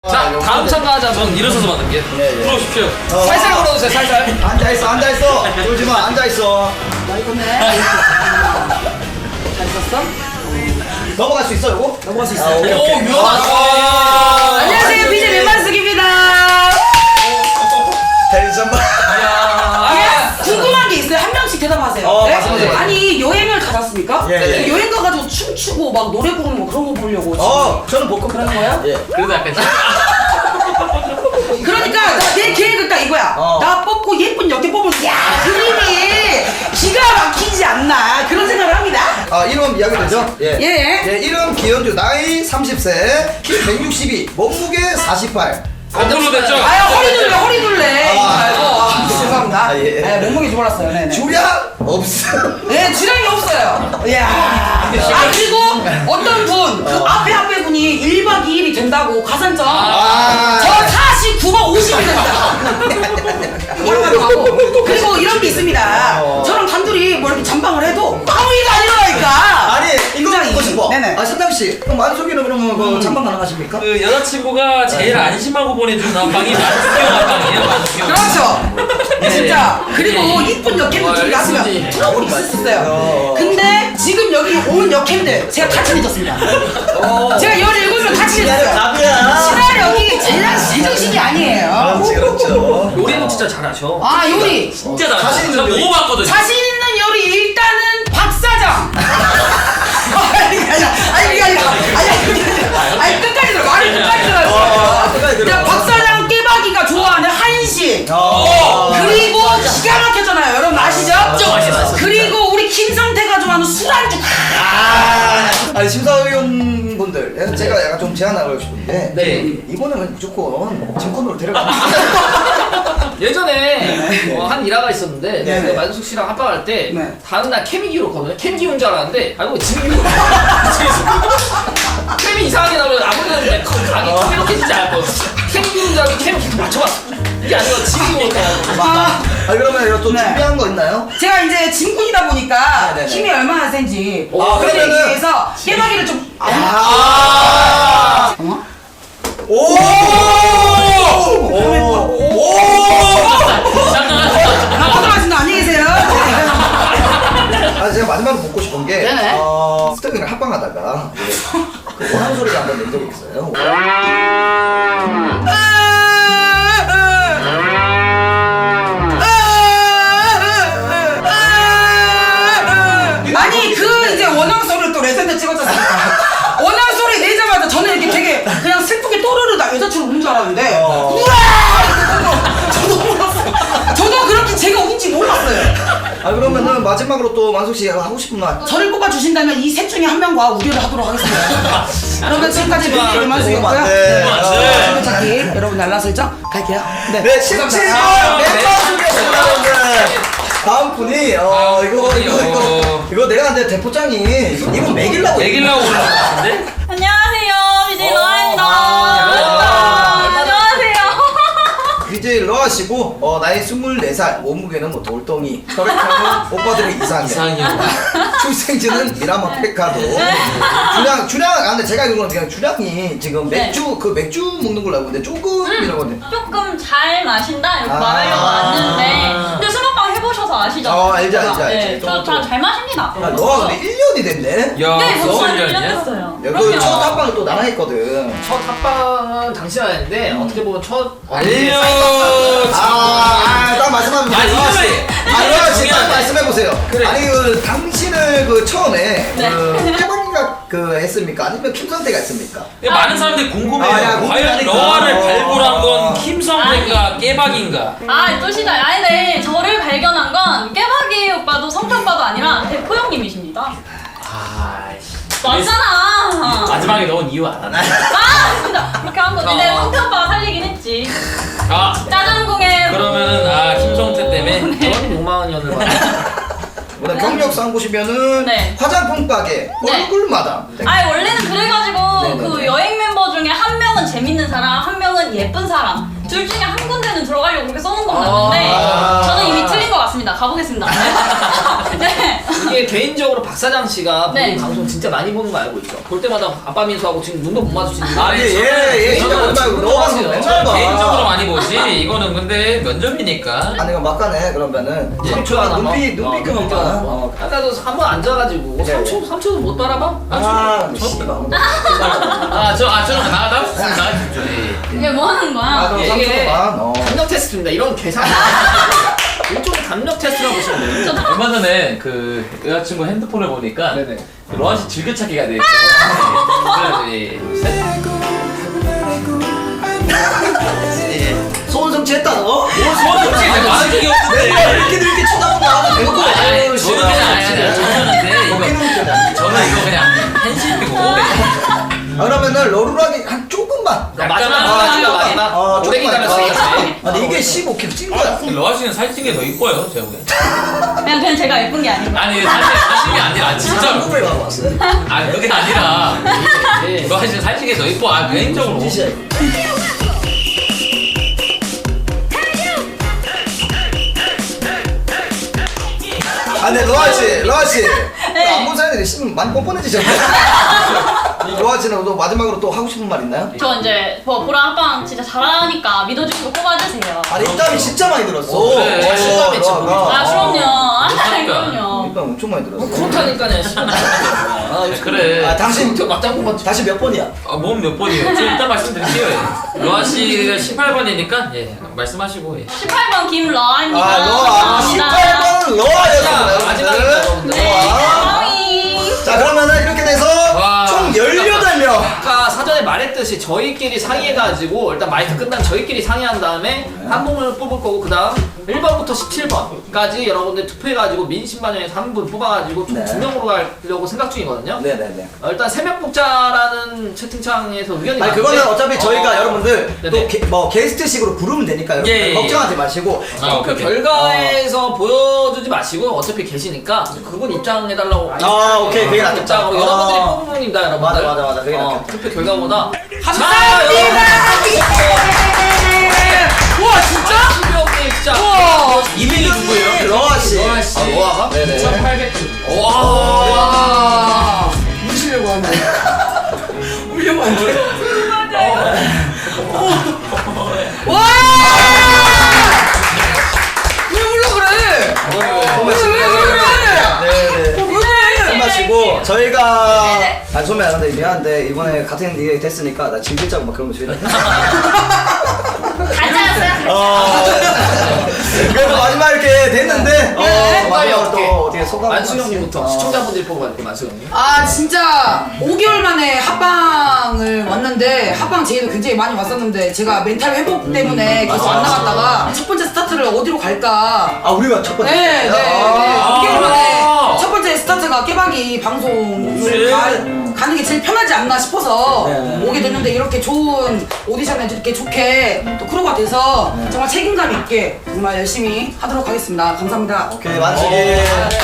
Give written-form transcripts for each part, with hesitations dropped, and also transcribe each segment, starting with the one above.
자, 다음 참가자분 일어서서 받을게. 들어오십시오. 살살 걸어주세요, 살살. 앉아있어. 졸지마, 앉아있어. 많이 컸네. 잘 있었어? 넘어갈 수 있어, 요거? 넘어갈 수 아, 있어. 오케이, 오, 오케이. 묘하다. 안녕하세요, BJ 맨만숙입니다. 텐션 봐. 궁금한 게 있어요. 한 명씩 대답하세요. 말씀하세요. 아니 여행을 가셨습니까? 예. 여행 가가지고 춤추고 막 노래 부르는 거 그런 거 보려고 지금. 저는 복권 그런 거예요? 예. 그래도 약간 그러니까 내 계획은 딱 이거야. 나 뽑고 예쁜 여태 뽑으면 야 그림이 기가 막히지 않나 그런 생각을 합니다. 이름 이야기 되죠? 예. 이름 기현주, 나이 30세, 키 162, 몸무게 48. 거꾸로 됐죠? 아유 허리 둘래. 죄송합니다. 아, 예. 네, 몸무게 좋았어요. 네네. 주량 없음. 네, 주량이 없어요. 이야. 그리고 어떤 분, 그 앞에 분이 1박 2일이 된다고 가산점. 저 49박 50이 된다. 뭐라고 하고. 그리고 이런 게 있습니다. 저랑 단둘이 뭐 이렇게 잠방을 해도 아무 일도 안 일어나니까. 아니, 이거 묻고 싶어. 네네. 선남씨, 그럼 만석이는 그러면 그 잠방 가능하십니까? 그 여자친구가 제일 안심하고 보내준 안방이 만수경 안방이에요, 만수경. 그렇죠. 진짜. 그리고 이쁜 여캠들 둘이 나서면 트러블이 있었어요. 근데 지금 여기 온 여캠들 제가 다 친해졌습니다. 제가 17명 다 친해졌어요. 답이야. 시나리오이 제정신이 아니에요. 그렇죠. 요리는 진짜 잘하셔. 아 요리. 진짜 잘하셔. 자신 있는 제가 요리. 먹어봤거든요. 자신 있는 요리 일단은 박사장. 아니 끝까지 들어. 말을 끝까지 들어요. 자, 박사장 깨박이가 좋아하는 한식. 그리고 기가 막혔잖아요. 여러분 아시죠? 맛있어. 그리고 우리 김성태가 좋아하는 술안주. 아니 심사위원분들 제가 약간 좀 제안하고 싶은데 네. 이번에는 무조건 증권으로 데려가. 예전에 한 일화가 있었는데 네. 그 만숙 씨랑 합방할 때 네. 다음날 케미기로 거든요. 케미기 온 줄 알았는데 알고 진기로 케미 이상하게 나오면 아무래도 가기 이렇게 진짜 알고 케미기 온 줄 알고 케미 계속 맞춰봤어. 이게 아니고 진기 오니까. 그러면 이거 또 네. 준비한 거 있나요? 제가 이제 진군이다 보니까 네네네. 힘이 얼마나 센지 그러면은- 그러기 위해서 깨박이를 좀 오! 고생하셨습니다. 안녕히 계세요. 제가 마지막으로 묻고 싶은 게 네네. 스태프랑 합방하다가 그 원하는 소리를 한번 낸 적이 있어요. 아니 그 이제 원앙 소리를 또 레전드 찍었잖아요. 원앙 소리 내자마자 저는 이렇게 되게 그냥 슬프게 또르르 나 여자친구 우는 줄 알았는데 우와! 저도 몰랐어요. 저도 그렇게 제가 운지 몰랐어요. 그러면은 마지막으로 또 만석 씨 하고 싶은 말. 저를 뽑아주신다면 이 셋 중에 한 명과 우결을 하도록 하겠습니다. 그러면 지금까지 BJ 만수였고요. 네. 찾기 여러분 날라 설정 갈게요. 네, 17번 감사합니다. 멤버수겠습니다, 여러분들. 다음 분이 이거 내가 근데 대포장이 이분 매길라고 매길라고 올라왔는데? 안녕하세요, BJ 러아입니다. 안녕하세요. BJ 러아시고 나이 24살, 몸무게는 뭐 돌덩이, 혈액형은 오빠들의 이상형, 출생지는 미라마 페카도, 주량 근데 제가 알기로는 그냥 주량이 지금 맥주 그 맥주 먹는 걸로 알고 있는데 조금이라고 하는데. 조금 잘 마신다 이렇게 아. 말하려고 왔는데 근데 술먹방 해보셔서 아시죠? 알지. 네, 저 잘 마십니다. 너가 근데 1년이 됐네. 야, 네, 저 벌써 1년 1년이야? 됐어요. 그 첫 합방을 또 나랑 했거든. 첫 합방은 당신이 했는데 어떻게 보면 첫 딱 말씀하면 아니, 러아씨 딱 말씀해보세요. 그래. 아니 그 당신을 그 처음에 네. 그 깨박이가 그 했습니까? 아니면 김선태가 했습니까? 많은 사람들이 궁금해요. 야, 과연 궁금하니까. 러아를 발굴한 건 김성태인가 깨박인가? 또 시작. 아니, 네, 저를 발견한 건 깨박이 오빠도 성태 오빠도 아니라 대포 형님이십니다. 맞잖아. 마지막에 넣은 이유 알아? 진짜 그렇게 한 거지. 근데 성태 오빠가 살리긴 했지. 짜장궁에 그러면은 김성태 때문에 그런 욕망한 년을 받아. 오늘 경력상 보시면은 네. 화장품 가게 네. 얼굴마다. 원래는 그래가지고 네네네. 그 여행 멤버 중에 한 명은 재밌는 사람, 한 명은 예쁜 사람. 둘 중에 한 군데는 들어가려고 그렇게 써놓은 건 맞는데 저는 이미 틀린 것 같습니다. 가보겠습니다. 네. 이게 개인적으로 박 사장 씨가 네. 본인 방송 진짜 많이 보는 거 알고 있죠? 볼 때마다 아빠 민수하고 지금 눈도 못 마주치는데. 아니 얘 진짜 보지 말고 너 방송 맨날 봐. 개인적으로 많이 보지. 이거는 근데 면접이니까. 아니 그럼 막간에 그러면은 예. 삼초야 눈빛 그만 봐. 아까도 한번 앉아가지고 네. 3초도 못 바라봐? 씨발. 저는 나가다. 이게 뭐 하는 거야? 그럼 이게 3초만. 감력 테스트입니다. 이런 계산. 일종의 감력 테스트라고 보시면 돼요. 얼마 전에 그 여자친구 핸드폰을 보니까 네네. 로아 씨 즐겨찾기가 돼 있어. 소원성취 했다 너? 솔직히 많은 적이 내가 없는데. 이렇게 쳐다보면 대놓고 아니, 저는 그냥 저는데 저는 이거 그냥 한심이고. 그러면은 러루라기 한 조금만. 마지막. 오래 기다렸으니까. 근데 이게 15kg 찐 거야. 로아 씨는 살찐 게 더 이뻐요, 제가 보기엔. 그냥 제가 예쁜 게 아니고. 아니 사실이 아니라 진짜로. 한국에 가고 왔어요. 아 그게 아니라 로아 씨는 살찐 게 더 이뻐. 아 개인적으로. 진짜. 근데 로아 씨, 안본 사람들이 심 많이 뻔뻔해지셨네. 로아 씨는 또 마지막으로 또 하고 싶은 말 있나요? 저 이제 보라 합방 진짜 잘하니까 믿어주시고 뽑아주세요. 아니 입담이 진짜 많이 들었어. 그래. 자신감이 있지, 아 그럼요. 아 그러니까. 그럼요. 입담 엄청 많이 들었어. 그렇다니까요. 그래. 아 당신 막장 뽑았지. 다시 몇 번이야? 몸 몇 번이에요? 좀 이따 말씀드릴게요. 예. 로아 씨가 18번이니까 예 말씀하시고. 예. 18번 김러아입니다. 아 로아 18번은 로아였습니다. 마지막입니다, 여러분들. 로아. 자 그러면은 이렇게 돼서 와. 총 18명. 아까 사전에 말했듯이 저희끼리 상의해가지고 일단 마이크 끝나면 저희끼리 상의한 다음에 한 분을 뽑을 거고 그 다음 1번부터 17번까지 여러분들 투표해가지고 민심반영에서 한 분 뽑아가지고 총 네. 2명으로 가려고 생각 중이거든요. 네네네. 일단 3명 뽑자라는 채팅창에서 의견이 아니 그거는 어차피 저희가 여러분들 네네. 또 게스트식으로 부르면 되니까 여러분 예, 예. 걱정하지 마시고. 그 결과에서 보여주지 마시고 어차피 계시니까 그분 입장해달라고 오케이 그게 낫겠다. 입장으로 여러분들이 뽑은 분입니다 여러분들. 맞아 그게 낫겠다. 투표 결과보다 감사합니다. 와 진짜? 수병님 진짜 2등이 누구예요? 로아 씨. 로아가? 네네. 1800점. 와. 무시려고 하네. 울려고 하네. 와! 왜 울려 그래? 네네. 술 마시고 저희가 소매 안 한데 미안한데 이번에 같은 일이 됐으니까 나 짐 빌자고 막 그런 거 줘야 돼. 그래도 마지막 이렇게 됐는데 마지막으로 또 어떻게 소감 만수형님부터 시청자분들이 뽑아볼게요. 만수형님. 아 진짜 5개월 만에 합방을 왔는데 합방 제의도 굉장히 많이 왔었는데 제가 멘탈 회복 때문에 계속 안 나갔다가 첫 번째 스타트를 어디로 갈까 우리가 첫 번째. 네. 5개월 만에 첫 번째 스타트가 깨박이 방송을 그치. 가는 게 제일 편하지 않나 싶어서 네. 오게 됐는데 이렇게 좋은 오디션에 이렇게 좋게 또 크루가 돼서 정말 책임감 있게 정말 열심히 하도록 하겠습니다. 감사합니다. 오케이 만식이.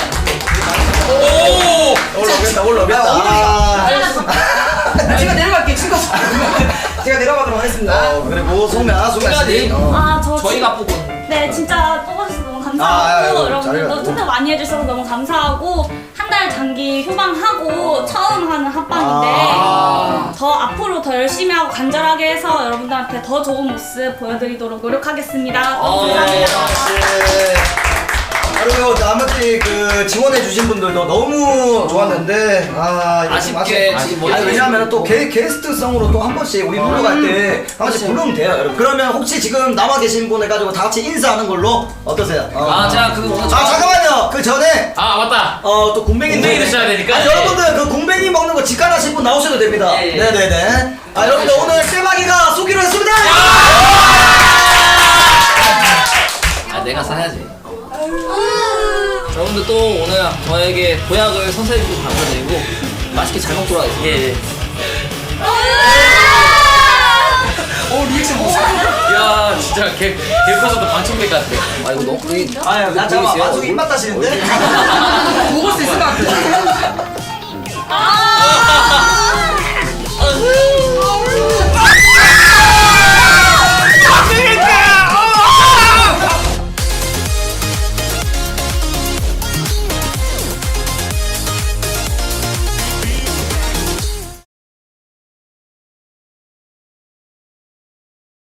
오. 올라오겠다. 제가 내려갈게요. 친구. 제가 내려가도록 하겠습니다. 그리고 소매아 씨. 저희가 뽑은. 네 진짜 뽑아주셔서 너무 감사하고 아유, 여러분들도 잘해가지고. 투표 많이 해주셔서 너무 감사하고 한 달 장기 휴방하고 처음 하는 합방인데 더 앞으로 더 열심히 하고 간절하게 해서 여러분들한테 더 좋은 모습 보여드리도록 노력하겠습니다. 너무 감사합니다. 그리고 나머지 그 지원해주신 분들도 너무 좋았는데 이거 좀 아쉽게 지금 뭐 왜냐면 또 게스트성으로 또 한 번씩 우리 놀러 갈 때 한 번씩 부르면 돼요 여러분. 그러면 혹시 지금 남아 계신 분 해가지고 다 같이 인사하는 걸로 어떠세요? 제가 그 오늘 잠깐만요. 그 전에 맞다. 또 궁뱅이인데 궁뱅이 드셔야 되니까. 여러분들 그 궁뱅이 먹는 거 직관하신 분 나오셔도 됩니다. 예, 예. 네네네. 여러분들 오늘 깨박이가 쏘기로 했습니다. 내가 사야지. 여러분들 또 오늘 저에게 보약을 선사해주셔서 감사드리고 맛있게 잘 먹도록 하겠습니다. 예. 리액션 보세요. 야 진짜 개 커서도 방청객 같아. 이거 너무 나 잠깐만 마중이 입맛 따시는데? 먹을 수 있을 것 같아.